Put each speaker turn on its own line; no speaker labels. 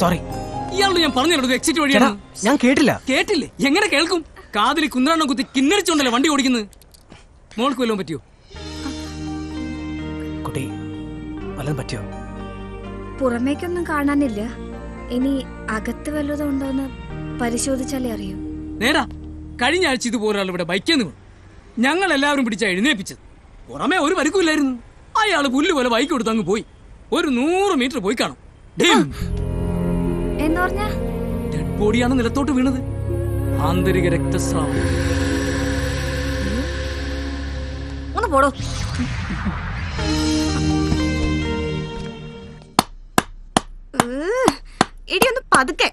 Sorry.
ഇയാളോട് ഞാൻ പറഞ്ഞല്ലോ എക്സിറ്റ് വഴിയാണ്.
ഞാൻ കേട്ടില്ല.
കേട്ടില്ലേ? എങ്ങനെ കേൾക്കും? കാതിൽ കുന്ത്രാണ്ണം കുത്തി കിന്നടിച്ചോണ്ടല്ലേ വണ്ടി ഓടിക്കുന്നത്. മോൾക്ക് വല്ലതും പറ്റിയോ?
കുട്ടി വല്ലതും പറ്റിയോ?
പുറമേക്കൊന്നും കാണാനില്ല. ഇനി അകത്ത് വല്ലതും ഉണ്ടോന്ന് പരിശോധിച്ചാലേ അറിയൂ.
നേരാ, കഴിഞ്ഞ ആഴ്ച ഇതുപോലെ ഇവിടെ ബൈക്കേന്ന് വീണു. ഞങ്ങൾ എല്ലാവരും പിടിച്ച എഴുന്നേപ്പിച്ചത്. പുറമേ ഒരു പരിക്കുമില്ലായിരുന്നു. അയാള് പുല്ല് പോലെ ബൈക്ക് കൊടുത്ത് അങ്ങ് പോയി. ഒരു 100 മീറ്റർ പോയി കാണും. ഡെഡ് ബോഡിയാണ് നിലത്തോട്ട് വീണത്. ആന്തരിക രക്തസ്രാവം.
ഒന്ന് പോടോ. ഇടിയൊന്ന് പതുക്കെ.